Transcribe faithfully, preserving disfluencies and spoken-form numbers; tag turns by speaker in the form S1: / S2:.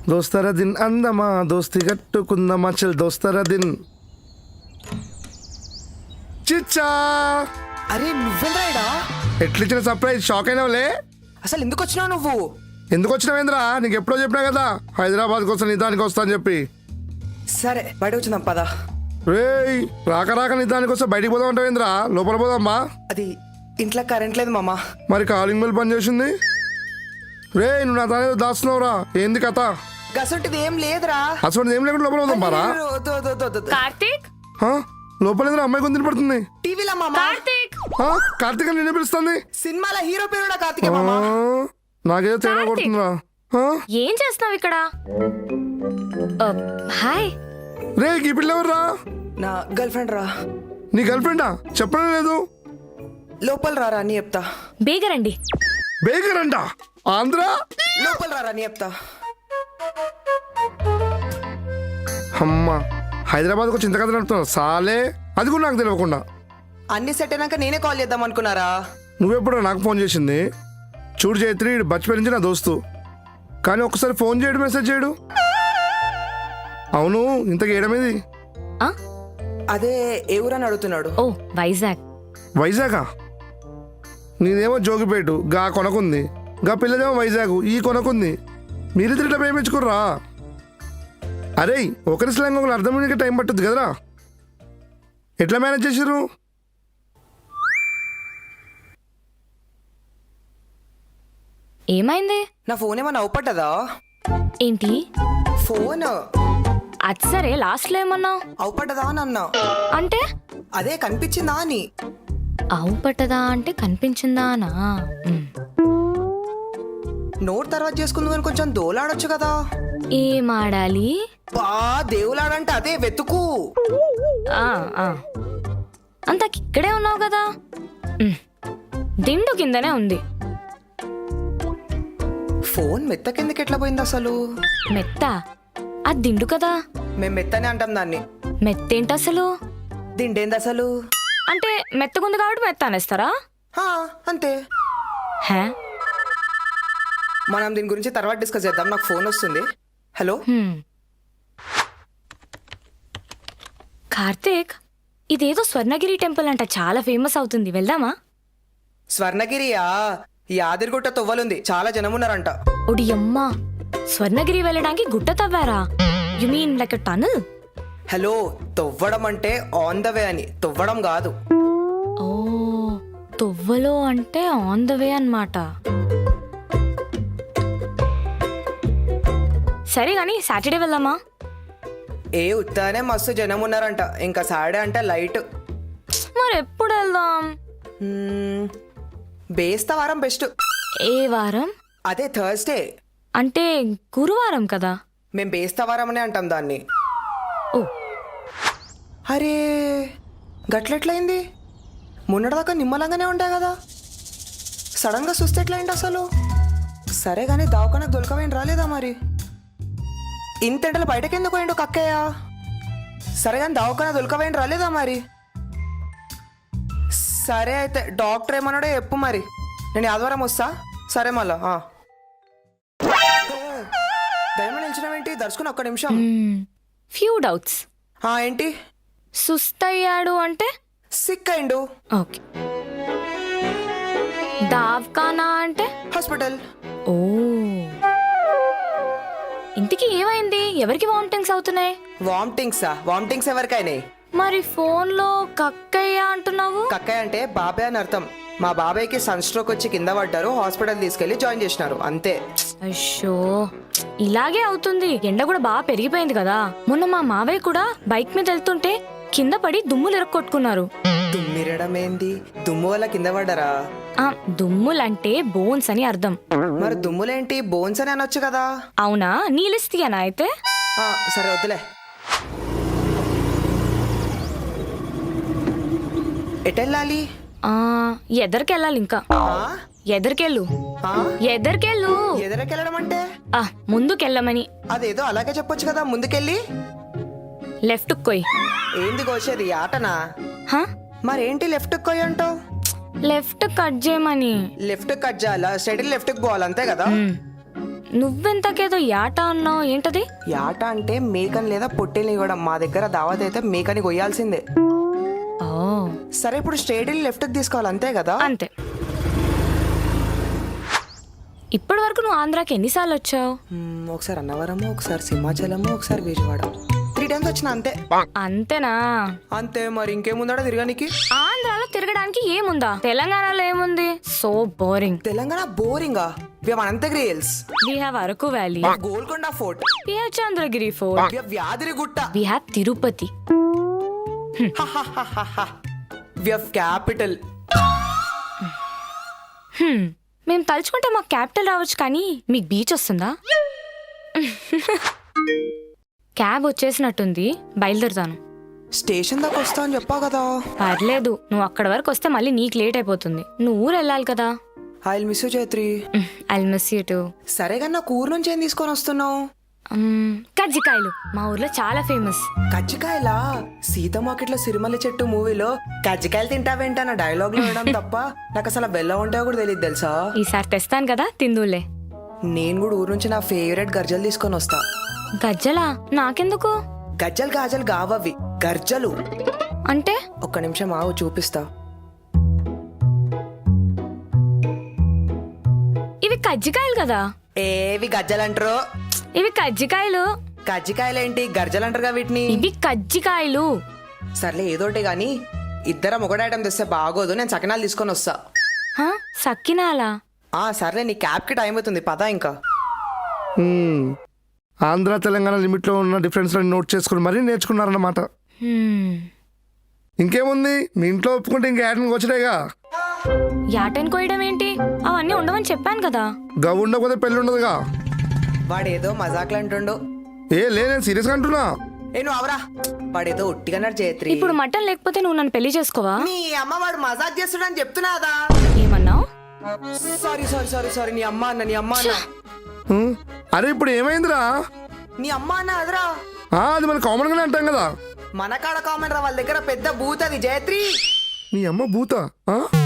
S1: దోస్తర దిన్ అందమా దోస్తి కట్టుకుందమా చల్ దోస్తర దిన్. చిచ్చా
S2: అరే నువ్వెంద్రాయిడా?
S1: ఎట్లిచ్చిన సర్ప్రైజ్ షాక్ అయినావులే.
S2: అసలు ఎందుకు వచ్చినావు నువ్వు?
S1: ఎందుకు వచ్చినావేంద్రా? నీకు ఎప్పుడో చెప్పినా కదా హైదరాబాద్కి వస్తా నిదానికి వస్తా అని చెప్పి.
S2: సరే బయట వచ్చిందాం పదా.
S1: రేయ్ రాక రాక నిదానికి వస్తే బయటికి పోదాం అంటావేంద్రా? లోపల పోదామ్మా.
S2: అది ఇంట్లో కరెంట్ లేదు మామా.
S1: మరి కాలింగ్ బెల్ పని చేసింది. రే నువ్వు నా తానేదో దాస్తున్నావురా, ఏంది కథ?
S2: గసంటిది ఏం లేదురా.
S1: అసలు ఏం లేకుండా లోపల పోదాం పారా.
S2: వద్దు, వద్దు, వద్దు, వద్దు.
S3: కార్తీక్
S1: లోపల ఏదో అమ్మాయి కొంత పడుతుంది.
S2: టీవీలో మామా.
S3: కార్తీక్
S1: కార్తీక్ అని నిన్నే పిలుస్తుంది.
S2: సినిమాల హీరో పేరు కార్తికే మామా.
S1: నాకేదో తేడా
S3: కార్తీక్.
S1: కొడుతుందిరా.
S3: ఏం చేస్తున్నావు ఇక్కడ? ఆ, హాయ్.
S1: రే ఈ పిల్ల ఎవర్రా?
S2: నా గర్ల్ ఫ్రెండ్ రా.
S1: నీ గర్ల్ ఫ్రెండా? చెప్పడం లేదు.
S2: లోపల రారా అని చెప్తా.
S3: బేగరండి.
S1: బేకర్ అంట ఆంధ్ర.
S2: లోపల రారా అని చెప్తా.
S1: అమ్మా హైదరాబాద్కి వచ్చి ఇంత కథ నడుపుతున్నావు సాలే. అది కూడా నాకు తెలియకుండా.
S2: అన్ని సెట్ అయినాక నేనే కాల్ చేద్దాం అనుకున్నారా?
S1: నువ్వెప్పుడు నాకు ఫోన్ చేసింది? చూడు చైత్రి బచ్చిపోయి నుంచి నా దోస్తు, కానీ ఒక్కసారి ఫోన్ చేయడు మెసేజ్ చేయడు. అవును ఇంతకు ఏడమేది?
S3: ఆ?
S2: అదే ఏ ఊరని అడుగుతున్నాడు.
S3: ఓ వైజాగ్.
S1: వైజాగా? నీదేమో జోగిపేటు గా కొనకుంది, గా పిల్లదేమో వైజాగ్ ఈ కొనకుంది. మీరిద్దరు ఇట్లా ప్రేమించుకుర్రా? అరే ఒకరి స్లాంగ్ ఒకరు అర్థం అయ్యే టైం పట్టుద్ది కదరా. ఎట్లా మేనేజ్ చేసిర్రు?
S3: ఏమైంది?
S2: నా ఫోన్ ఏమన్నా అవుపట్టదా?
S3: ఏంటి?
S2: ఫోన్
S3: అది సరే లాస్ట్ లో ఏమన్నావు?
S2: అవుపట్టదా అని అన్నా.
S3: అంటే
S2: అదే కనిపించిందా అని.
S3: ఆవు పట్టదా అంటే కనిపించిందా అనా? ఉమ్.
S2: నోట్ తర్వాత చేసుకుందాం అని కొంచెం దోలాడొచ్చు కదా.
S3: ఏం ఆడాలి?
S2: బా దేవులాడంటే అదే వెతుకు.
S3: ఆ, ఆ. అంతకి ఇక్కడే ఉన్నావు కదా. ఉమ్. దిండు కిందనే ఉంది.
S2: ఫోన్ మెత్త కిందకి ఎట్లా పోయింది అసలు?
S3: మెత్త? అది దిండు కదా.
S2: మేము మెత్తనే అంటాం దాన్ని.
S3: మెత్తేంటి అసలు?
S2: దిండేంది అసలు?
S3: అంటే మెత్తగుంది కాబట్టి మెత్త అనేస్తారా?
S2: హా, అంతే.
S3: హే?
S2: మనం దీని గురించి తర్వాత డిస్కస్ చేద్దాం. నాకు ఫోన్ వస్తుంది. హలో.
S3: హ్మ్. కార్తీక్ ఇదేదో స్వర్ణగిరి టెంపుల్ అంట, చాలా ఫేమస్ అవుతుంది, వెళ్దామా?
S2: స్వర్ణగిరియా? యాదిరిగుట్ట తొవ్వలుంది, చాలా జనం ఉన్నారంట.
S3: ఒడి అమ్మా, స్వర్ణగిరి వెళ్ళడానికి గుట్ట తవ్వారా? You mean like tunnel?
S2: Hello, తొవ్వడం అంటే ఆన్ ద వే అని, తొవ్వడం కాదు.
S3: ఓ, తొవ్వలో అంటే ఆన్ ద వే అన్నమాట. సరే గాని సాటర్డే వెళ్దామా?
S2: ఏ ఉత్తానే మస్తు జనం ఉన్నారంట. ఇంకా సాడే అంటే లైట్.
S3: మరి ఎప్పుడు వెళ్దాం?
S2: మ్మ్, బేస్తా వారం బెస్ట్.
S3: ఏ వారం?
S2: అదే థర్స్డే.
S3: అంటే గురువారం కదా.
S2: మేం బేస్తా వారం అనే అంటాం దాన్ని.
S3: ఓ
S2: అరే గట్లెట్లయింది? మొన్నటిదాకా నిమ్మలంగానే ఉంటాయి కదా, సడన్ గా చూస్తే ఎట్లయింది అసలు? సరే గానీ దావకానికి దొరకవేంటి రాలేదా మరి? ఇంతెంటలు బయటకి ఎందుకు పోయిండు కక్కయ్య? సరే కానీ దావకాన దొరకవేంటి రాలేదా మరి? సరే అయితే డాక్టర్ ఏమన్నాడో చెప్పు మరి, నేను ఆదివారం వస్తా. సరే మళ్ళా దయమ నిలిచినవేంటి? దర్శకుని ఒక్క నిమిషం.
S3: Few doubts.
S2: ఆ, ఏంటి?
S3: సుస్తయ్యాడు అంటే?
S2: సిక్ అయిండు.
S3: ఓకే. దావ్కానా అంటే?
S2: హాస్పిటల్.
S3: ఓ, ఇంటికి ఏమైంది? ఎవరికి వామిటింగ్స్ అవుతున్నాయి?
S2: వామిటింగ్సా? వామిటింగ్స్ ఎవరికైనా?
S3: మరి ఫోన్ లో కక్కయ్య అంటున్నావు?
S2: కక్కయ్య అంటే బాబాయ్ అని అర్థం. మా బాబాయ్కి సన్ స్ట్రోక్ వచ్చి కింద పడ్డారు, హాస్పిటల్ తీసుకెళ్లి జాయిన్ చేసినారు, అంతే.
S3: అయ్యో, ఇలాగే అవుతుంది. ఎండ కూడా బాగా పెరిగిపోయింది కదా. మొన్న మా మావయ్య కూడా బైక్ మీద వెళ్తుంటే కింద పడి దుమ్ములు ఎరక్కొట్టుకున్నారు.
S2: దుమ్మిరడం ఏంది? దుమ్ము వల్ల కింద పడ్డారా?
S3: ఆ, దుమ్ములంటే బోన్స్ అని అర్థం.
S2: మరి దుమ్ములేంటి? బోన్స్ అని అనొచ్చు కదా.
S3: అవునా? నీ లిస్ట్ అనా అయితే?
S2: ఆ, సరే వద్దులే. ఎటెళ్ళాలి?
S3: ఆ, ఎదరికెళ్ళాలి. ఇంకా ఎదరికెళ్ళు,
S2: ఆ?
S3: ఎదరికెళ్ళు.
S2: ఎదరకెళ్ళడం అంటే?
S3: ఆ, ముందుకెళ్ళమని.
S2: అదేదో అలాగే చెప్పొచ్చు కదా, ముందుకెళ్ళి.
S3: లెఫ్ట్ కొయ్.
S2: ఏంది కోసేది? ఆటనా?
S3: హా?
S2: మరేంటి లెఫ్ట్ కొయ్యి అంటావు?
S3: లెఫ్ట్ కట్ చేయమని.
S2: లెఫ్ట్ కట్ చేయాలా? స్ట్రైట్ లెఫ్ట్ కి పోవాలి, అంతే కదా.
S3: నువ్వెంతకేదో యాట అన్నావు, ఏంటది?
S2: యాట అంటే మేకని లేదా పొట్టేల్ని కూడా. మా దగ్గర దావత్ అయితే మేకని కొయ్యాల్సిందే.
S3: ఓ
S2: సరే ఇప్పుడు స్ట్రేట్ వెళ్ళి లెఫ్ట్కి తీసుకోవాలి, అంతే కదా?
S3: అంతే. ఇప్పటి వరకు నువ్వు ఆంధ్రాకి ఎన్నిసార్లు వచ్చావు?
S2: మ్మ్, ఒకసారి అన్నవరము, ఒకసారి సింహాచలము, ఒకసారి విజయవాడ. త్రీ టైమ్స్ వచ్చిన అంతే.
S3: అంతేనా?
S2: అంతే మరి ఇంకేముందా తిరగనికి?
S3: ఆంధ్రాలో తిరగడానికి ఏముందా? తెలంగాణలో ఏముంది? So boring.
S2: తెలంగాణ బోరింగా? We have Ananthagiri hills,
S3: we have Araku valley,
S2: Golconda fort,
S3: we have Chandragiri fort,
S2: we have Yadagirigutta,
S3: we have Tirupati.
S2: We have capital.
S3: Hmm, మేము తలుచుకుంటే మాకు క్యాపిటల్ రావచ్చు, కానీ మీకు బీచ్ వస్తుందా? క్యాబ్ వచ్చేసినట్టుంది, బయలుదేరుతాను.
S2: స్టేషన్ దాకా వస్తా అని చెప్పావు కదా.
S3: పర్లేదు, నువ్వు అక్కడ వరకు వస్తే మళ్ళీ నీకు లేట్ అయిపోతుంది. నువ్వు ఊరు వెళ్ళాలి కదా.
S2: I will miss you Chaitri.
S3: I miss you too.
S2: సరే కానీ నాకు ఊరు నుంచి ఏం తీసుకొని వస్తున్నావు?
S3: కజ్జికాయలు మా ఊర్లో చాలా ఫేమస్.
S2: కజ్జికాయలా? సీత మార్కెట్లో సిరిమల్లి చెట్టు మూవీలో కజ్జికాయలు తింటావేంటన్న డైలాగ్ లో వినడం తప్ప నాకు అసలు బెల్లం ఉంటాయో కూడా తెలియదు తెలుసా.
S3: ఈసారి తెస్తాను కదా, తిందులే.
S2: నేను కూడా ఊరు నుంచి నా ఫేవరెట్ గర్జలు తీసుకొని వస్తా.
S3: గజ్జలా? నాకెందుకు?
S2: గజ్జలు గాజలు కావవి, గర్జలు.
S3: అంటే?
S2: ఒక్క నిమిషం ఆవు, చూపిస్తా.
S3: ఇవి కజ్జికాయలు కదా.
S2: ఏవి గజ్జలు అంటారు?
S3: ఇవి కజ్జికాయలు.
S2: కజ్జికాయలేంటి, గర్జలు అంటారుగా వీటిని.
S3: ఇవి కజ్జికాయలు.
S2: సర్లే ఏదోటి గాని ఇద్దరం ఒకటి ఐటమ్ తెస్తే బాగోదు, నేను సకినాలు తీసుకొని వస్తా.
S3: హా, సక్కినాలా?
S2: ఆ సర్లే, నీ క్యాబ్ కి టైం అవుతుంది, పదా ఇంకా.
S1: హ్మ్. ఆంధ్ర తెలంగాణ లిమిట్లో ఉన్న డిఫరెన్స్ నోట్ చేసుకుని మరీ నేర్చుకున్నారన్నమాట.
S3: హ్మ్.
S1: ఇంకేముంది, మీ ఇంట్లో ఒప్పుకుంటే ఇంకా యాటన్ వచ్చినాయిగా.
S3: యాటన్ కోయడం ఏంటి? అవన్నీ ఉండవని చెప్పాను కదా.
S1: గవ్ ఉండకపోతే పెళ్ళి ఉండదుగా.
S2: వాడేదో మజాక్లు అంటుండు.
S1: ఏ లే, నేను సీరియస్గా అంటున్నా.
S2: ఏ నువ్వు అవరా, వాడేదో ఒట్టిగన్నాడు జయత్రి.
S3: ఇప్పుడు మటన్ లేకపోతే నువ్వు నన్ను పెళ్లి చేసుకోవా?
S2: నీ అమ్మ వాడు మజాక్ చేస్తున్నాడని చెప్తున్నాదా?
S3: ఏమన్నావు?
S2: సారీ సారీ సారీ సారీ నీ అమ్మ అన్న, నీ అమ్మ అన్న.
S1: హ్మ్. అరే ఇప్పుడు ఏమైందిరా?
S2: నీ అమ్మ అన్న అదరా.
S1: ఆ, అది మన కామన్గానే అంటాం కదా.
S2: మన కాడ కామన్ రా, వాళ్ళ దగ్గర పెద్ద బూత్ అది జయత్రి.
S1: నీ అమ్మ భూత. ఆ?